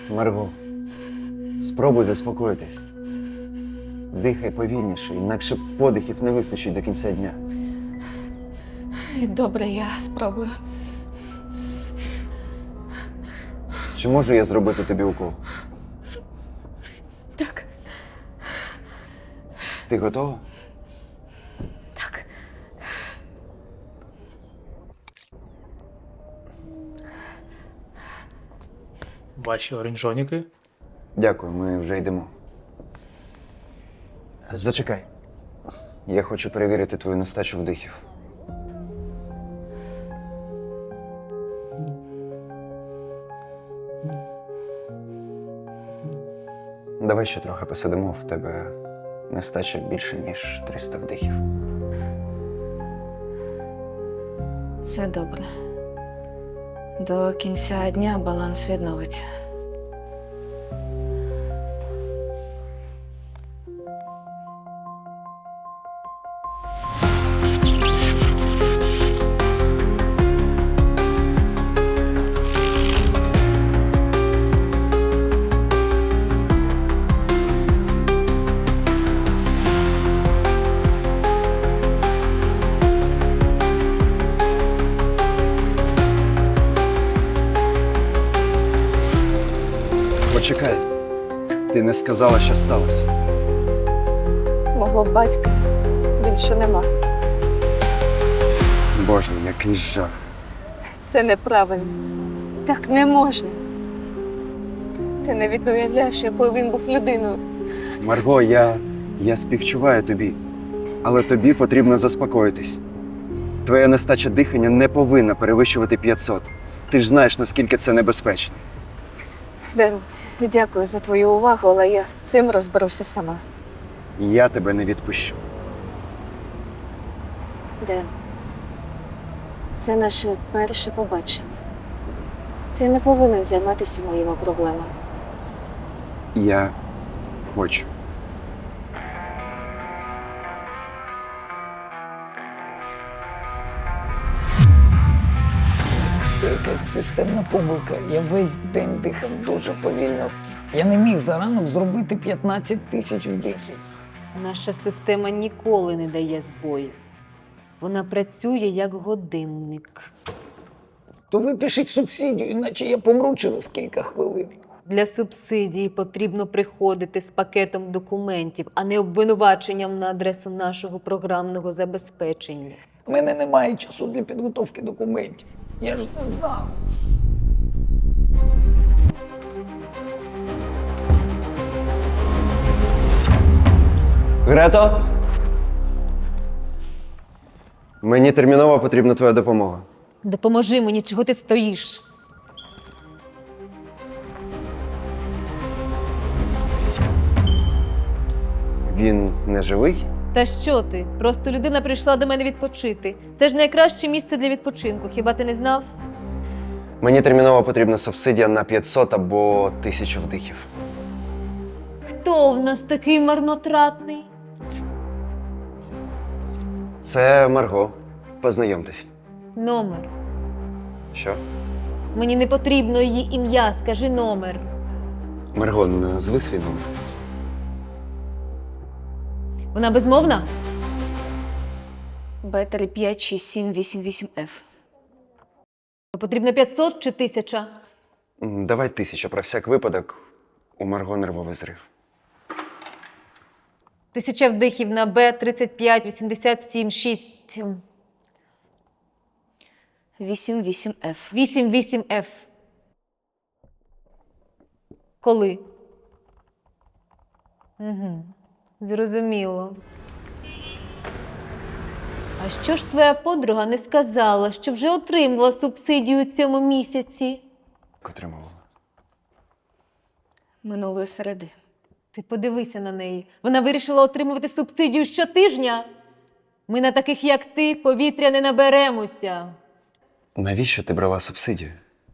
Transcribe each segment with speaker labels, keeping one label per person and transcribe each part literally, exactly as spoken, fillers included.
Speaker 1: Марго, спробуй заспокоїтись. Дихай повільніше, інакше подихів не вистачить до кінця дня.
Speaker 2: Добре, я спробую.
Speaker 1: Чи можу я зробити тобі укол?
Speaker 2: Так,
Speaker 1: Ти готова?
Speaker 2: так.
Speaker 3: Ваші оранжоніки.
Speaker 1: Дякую, ми вже йдемо. Зачекай. Я хочу перевірити твою нестачу вдихів. Давай ще трохи посидимо, в тебе нестача більше, ніж триста вдихів.
Speaker 2: Все добре. До кінця дня баланс відновиться.
Speaker 1: Почекай. Ти не сказала, що сталося.
Speaker 2: Мого батька більше нема.
Speaker 1: Боже, який жах.
Speaker 2: Це неправильно. Так не можна. Ти навіть не уявляєш, якою він був людиною.
Speaker 1: Марго, я, я співчуваю тобі, але тобі потрібно заспокоїтись. Твоя нестача дихання не повинна перевищувати п'ятсот. Ти ж знаєш, наскільки це небезпечно.
Speaker 2: Ден, дякую за твою увагу, але я з цим розберуся сама.
Speaker 1: Я тебе не відпущу.
Speaker 2: Ден, це наше перше побачення. Ти не повинен займатися моїми проблемами.
Speaker 1: Я хочу.
Speaker 4: Це якась системна помилка. Я весь день дихав дуже повільно. Я не міг за ранок зробити п'ятнадцять тисяч вдихів.
Speaker 5: Наша система ніколи не дає збоїв. Вона працює як годинник.
Speaker 4: То ви пишіть субсидію, іначе я помру через кілька хвилин.
Speaker 5: Для субсидії потрібно приходити з пакетом документів, а не обвинуваченням на адресу нашого програмного забезпечення.
Speaker 4: У мене немає часу для підготовки документів. Я ж не знав.
Speaker 1: Грето! Мені терміново потрібна твоя допомога.
Speaker 5: Допоможи мені, чого ти стоїш?
Speaker 1: Він не живий?
Speaker 5: Та що ти? Просто людина прийшла до мене відпочити. Це ж найкраще місце для відпочинку, хіба ти не знав?
Speaker 1: Мені терміново потрібна субсидія на п'ятсот або тисячу вдихів.
Speaker 5: Хто в нас такий марнотратний?
Speaker 1: Це Марго. Познайомтесь.
Speaker 5: Номер.
Speaker 1: Що?
Speaker 5: Мені не потрібно її ім'я, скажи номер.
Speaker 1: Марго, назви свій номер.
Speaker 5: Вона безмовна?
Speaker 2: Б три п'ять шість сім вісім вісім Ф.
Speaker 5: Потрібно п'ятсот чи тисяча?
Speaker 1: М, Давай тисячу, про всяк випадок. У Марго нервовий зрив.
Speaker 5: Тисяча вдихів на Б тридцять п'ять вісімдесят сім шість
Speaker 2: вісім вісім Ф.
Speaker 5: вісім вісім Ф. Коли? Угу. Зрозуміло. А що ж твоя подруга не сказала, що вже отримала субсидію у цьому місяці?
Speaker 1: Отримувала.
Speaker 2: Минулої середи.
Speaker 5: Ти подивися на неї. Вона вирішила отримувати субсидію щотижня. Ми на таких, як ти, повітря не наберемося.
Speaker 1: Навіщо ти брала субсидію?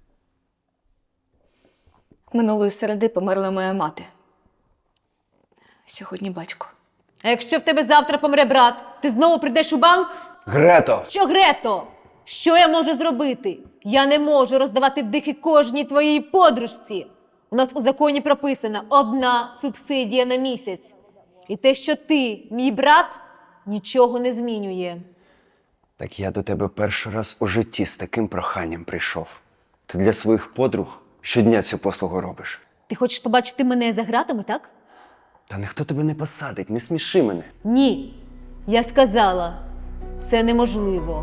Speaker 2: Минулої середи померла моя мати. Сьогодні батько.
Speaker 5: А якщо в тебе завтра помре брат, ти знову прийдеш у банк?
Speaker 1: Грето!
Speaker 5: Що, Грето? Що я можу зробити? Я не можу роздавати вдихи кожній твоїй подружці. У нас у законі прописана одна субсидія на місяць. І те, що ти, мій брат, нічого не змінює.
Speaker 1: Так я до тебе перший раз у житті з таким проханням прийшов. Ти для своїх подруг щодня цю послугу робиш.
Speaker 5: Ти хочеш побачити мене за гратами, так?
Speaker 1: Та ніхто тебе не посадить, не сміши мене.
Speaker 5: Ні. Я сказала, це неможливо.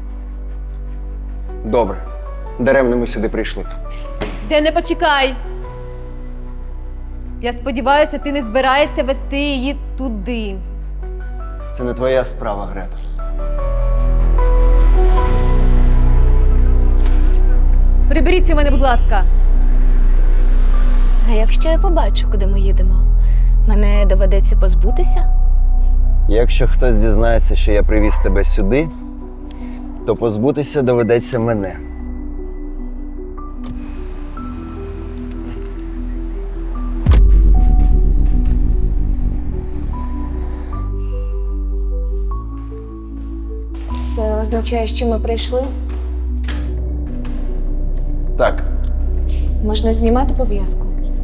Speaker 1: Добре, даремно ми сюди прийшли.
Speaker 5: Де не почекай! Я сподіваюся, ти не збираєшся вести її туди.
Speaker 1: Це не твоя справа, Грето.
Speaker 5: Приберіться мене, будь ласка.
Speaker 2: А якщо я побачу, куди ми їдемо, мене доведеться позбутися?
Speaker 1: Якщо хтось дізнається, що я привіз тебе сюди, то позбутися доведеться мене.
Speaker 2: Це означає, що ми прийшли?
Speaker 1: Так,
Speaker 2: Можна знімати пов'язку?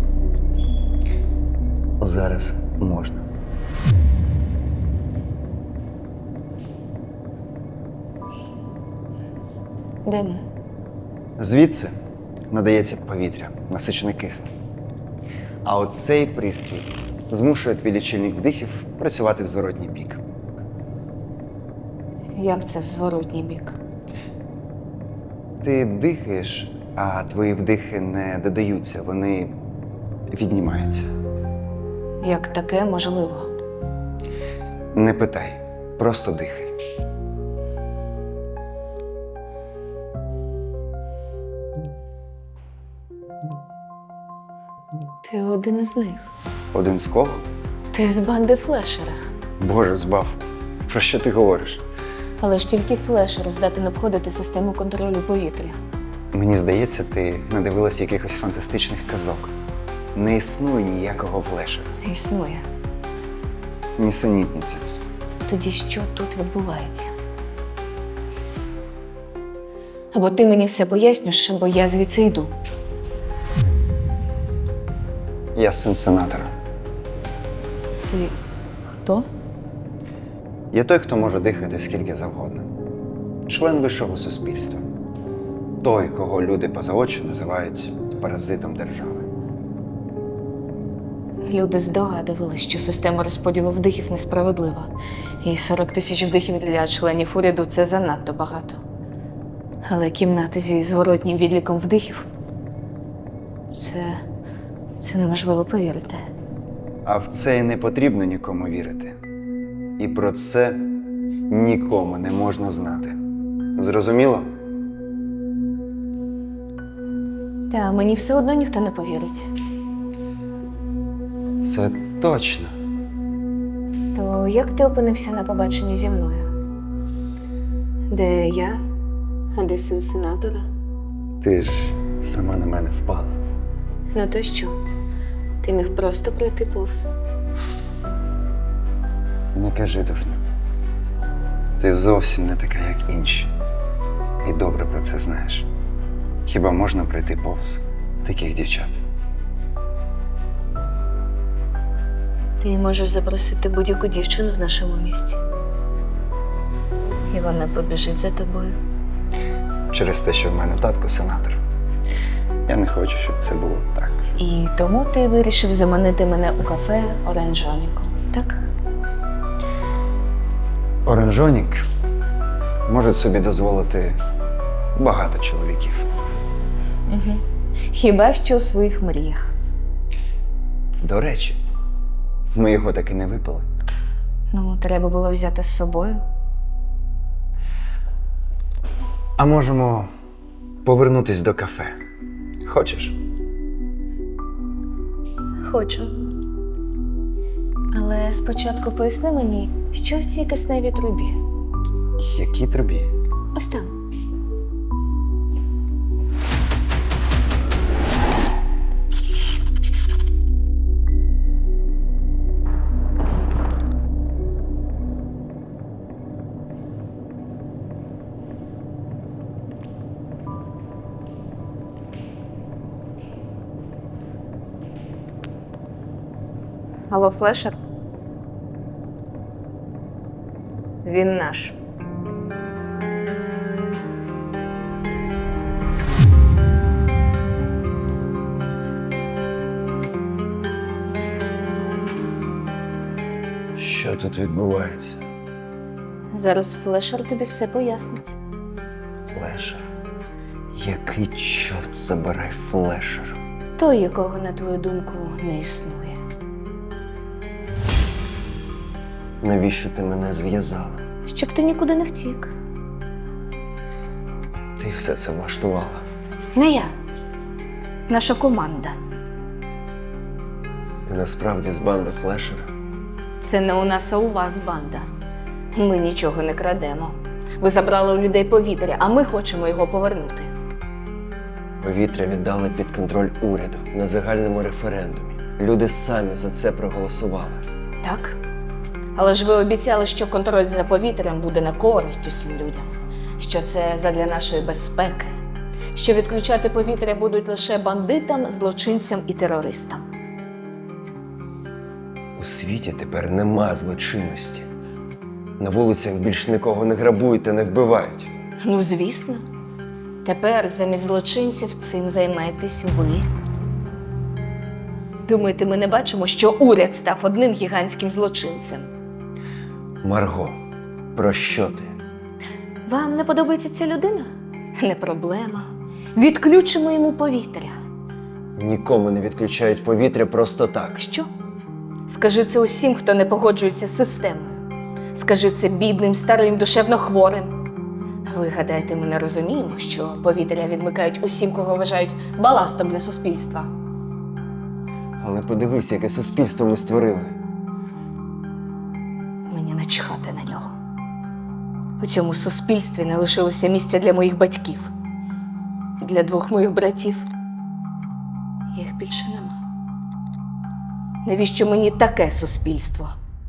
Speaker 1: зараз можна.
Speaker 2: Де ми?
Speaker 1: Звідси надається повітря, насичене киснем. А оцей пристрій змушує твій лічильник вдихів працювати в зворотній бік.
Speaker 2: Як це в зворотній бік?
Speaker 1: Ти дихаєш, а твої вдихи не додаються, вони віднімаються.
Speaker 2: Як таке можливо?
Speaker 1: Не питай, просто дихай.
Speaker 2: Ти один із них.
Speaker 1: Один з кого?
Speaker 2: Ти з банди Флешера.
Speaker 1: Боже, збав. Про що ти говориш?
Speaker 2: Але ж тільки Флешер здатен обходити систему контролю повітря.
Speaker 1: Мені здається, ти надивилась якихось фантастичних казок. Не існує ніякого флешера.
Speaker 2: Існує.
Speaker 1: Нісенітниця.
Speaker 2: Тоді що тут відбувається? Або ти мені все пояснюєш, або я звідси йду.
Speaker 1: Я син сенатора.
Speaker 2: Ти хто?
Speaker 1: Я той, хто може дихати скільки завгодно. Член вищого суспільства. Той, кого люди поза очі називають паразитом держави.
Speaker 2: Люди здогадували, що система розподілу вдихів несправедлива. І сорок тисяч вдихів для членів уряду – це занадто багато. Але кімнати зі зворотнім відліком вдихів – це... це неможливо повірити.
Speaker 1: А в це й не потрібно нікому вірити. І про це нікому не можна знати. Зрозуміло?
Speaker 2: Та мені все одно ніхто не повірить.
Speaker 1: Це точно.
Speaker 2: То як ти опинився на побаченні зі мною? Де я? А де син сенатора?
Speaker 1: Ти ж сама на мене впала.
Speaker 2: Ну то що? Ти міг просто пройти повз.
Speaker 1: Не кажи, дурню. Ти зовсім не така, як інші. І добре про це знаєш. Хіба можна пройти повз таких дівчат?
Speaker 2: Ти можеш запросити будь-яку дівчину в нашому місті. І вона побіжить за тобою.
Speaker 1: Через те, що в мене татко сенатор. Я не хочу, щоб це було так.
Speaker 2: І тому ти вирішив заманити мене у кафе Оранжоніку, так?
Speaker 1: Оранжонік може собі дозволити багато чоловіків.
Speaker 2: Угу. Хіба що у своїх мріях.
Speaker 1: До речі, ми його так і не випили.
Speaker 2: Ну, треба було взяти з собою.
Speaker 1: А можемо повернутись до кафе. Хочеш?
Speaker 2: Хочу. Але спочатку поясни мені, що в цій кисневій трубі.
Speaker 1: Які тобі?
Speaker 2: Ось там. Алло, Флешер? Він наш.
Speaker 1: Що тут відбувається?
Speaker 2: Зараз Флешер тобі все пояснить.
Speaker 1: Флешер. Який чорт забирай флешер?
Speaker 2: Той, якого, на твою думку, не існує.
Speaker 1: Навіщо ти мене зв'язала?
Speaker 2: Щоб ти нікуди не втік.
Speaker 1: Ти все це влаштувала.
Speaker 2: Не я. Наша команда.
Speaker 1: Ти насправді з банди флешера?
Speaker 2: Це не у нас, а у вас банда. Ми нічого не крадемо. Ви забрали у людей повітря, а ми хочемо його повернути.
Speaker 1: Повітря віддали під контроль уряду на загальному референдумі. Люди самі за це проголосували.
Speaker 2: Так? Але ж ви обіцяли, що контроль за повітрям буде на користь усім людям. Що це задля нашої безпеки. Що відключати повітря будуть лише бандитам, злочинцям і терористам.
Speaker 1: У світі тепер нема злочинності. На вулицях більш нікого не грабують та не вбивають.
Speaker 2: Ну, звісно. Тепер замість злочинців цим займаєтесь ви. Думаєте, ми не бачимо, що уряд став одним гігантським злочинцем?
Speaker 1: Марго, про що ти?
Speaker 2: Вам не подобається ця людина? Не проблема. Відключимо йому повітря.
Speaker 1: Нікому не відключають повітря просто так.
Speaker 2: Що? Скажи це усім, хто не погоджується з системою. Скажи це бідним, старим, душевно хворим. Ви гадаєте, ми не розуміємо, що повітря відмикають усім, кого вважають баластом для суспільства?
Speaker 1: Але подивись, яке суспільство ми створили.
Speaker 2: Мені начхати на нього. У цьому суспільстві не лишилося місця для моїх батьків. Для двох моїх братів. Їх більше нема. Навіщо мені таке суспільство?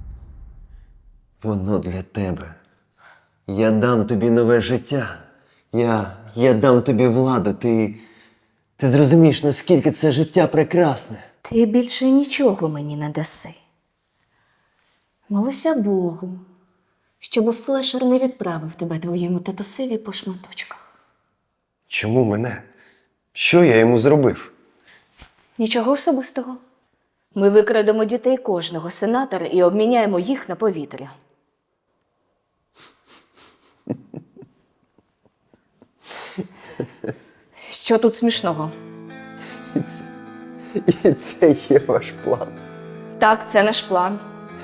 Speaker 1: Воно для тебе. Я дам тобі нове життя. Я, я дам тобі владу. Ти, ти зрозумієш, наскільки це життя прекрасне.
Speaker 2: Ти більше нічого мені не даси. Молися Богу, щоб Флешер не відправив тебе твоєму татусеві по шматочках.
Speaker 1: Чому мене? Що я йому зробив?
Speaker 2: Нічого особистого. Ми викрадемо дітей кожного сенатора і обміняємо їх на повітря. Що тут смішного?
Speaker 1: І це, і це є ваш план.
Speaker 2: Так, це наш план.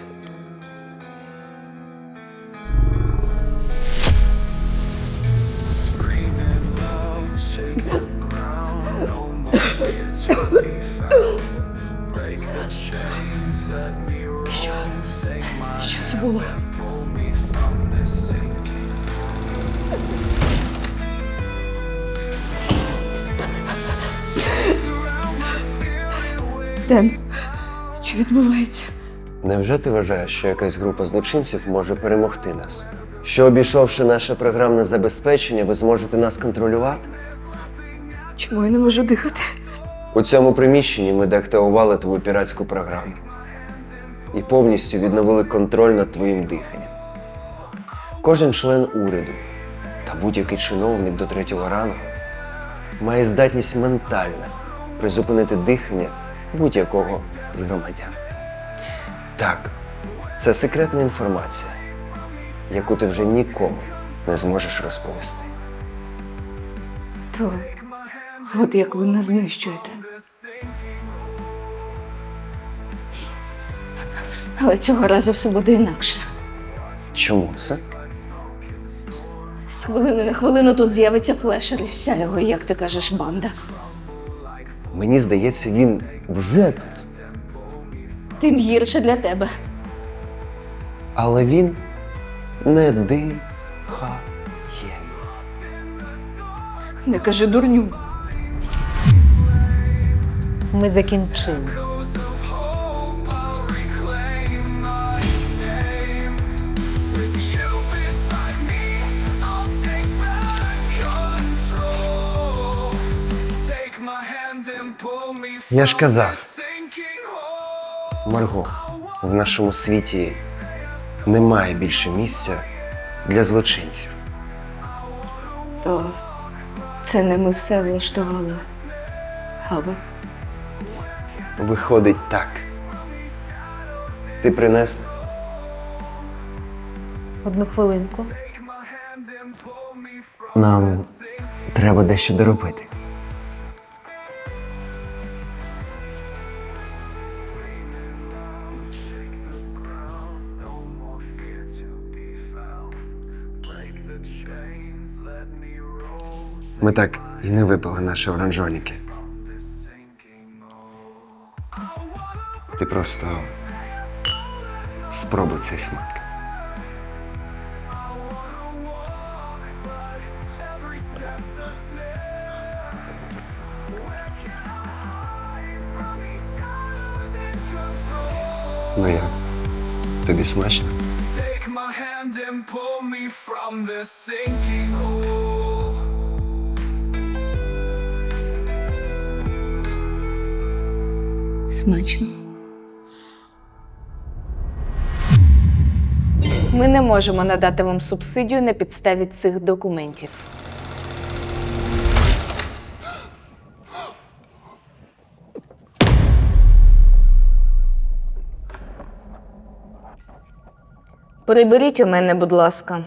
Speaker 6: Screaming loud, shake the ground, no more fear to be found. Break the chains, let me roam. Take my
Speaker 2: Що це було?
Speaker 6: hand, pull me from this sinking. Surround my spirit with
Speaker 2: Ден, що відбувається?
Speaker 1: Невже ти вважаєш, що якась група злочинців може перемогти нас? Що, обійшовши наше програмне забезпечення, ви зможете нас контролювати?
Speaker 2: Чому я не можу дихати?
Speaker 1: У цьому приміщенні ми деактивували твою піратську програму і повністю відновили контроль над твоїм диханням. Кожен член уряду та будь-який чиновник до третього рангу має здатність ментально призупинити дихання будь-якого з громадян. Так, це секретна інформація, яку ти вже нікому не зможеш розповісти.
Speaker 2: То от як ви нас знищуєте. Але цього разу все буде інакше.
Speaker 1: Чому це?
Speaker 2: З хвилини на хвилину тут з'явиться Флешер і вся його, як ти кажеш, банда.
Speaker 1: Мені здається, він вже тут.
Speaker 2: Тим гірше для тебе.
Speaker 1: Але він не дихає.
Speaker 2: Не кажи дурню.
Speaker 5: Ми закінчили.
Speaker 6: echoes of hope. I'll reclaim my name. With you beside me, I'll take back control. Take my hand and pull me
Speaker 1: Я ж
Speaker 6: from
Speaker 1: казав.
Speaker 6: this sinking hole.
Speaker 1: Марго,
Speaker 6: I
Speaker 1: В нашому світі немає більше місця для злочинців.
Speaker 2: То це не ми все влаштували. А ви?
Speaker 1: Виходить так. Ти принесла?
Speaker 5: Одну хвилинку.
Speaker 1: Нам треба дещо доробити. Ми так і не випили наші оранжоніки. Ти просто спробуй цей смак. Ну як? Тобі смачно?
Speaker 6: Take my hand and pull me from this sinking hole.
Speaker 2: Смачно. Ми не можемо надати вам субсидію на підставі цих документів. Приберіть у мене, будь ласка.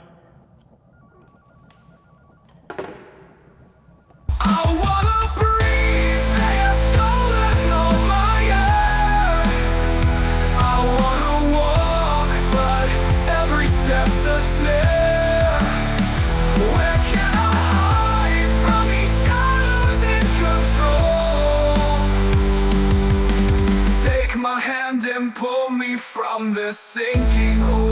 Speaker 6: I wanna breathe, they have stolen all my air. I wanna walk, but every step's a snare. Where can I hide from these shadows in control? Take my hand and pull me from this sinking hole.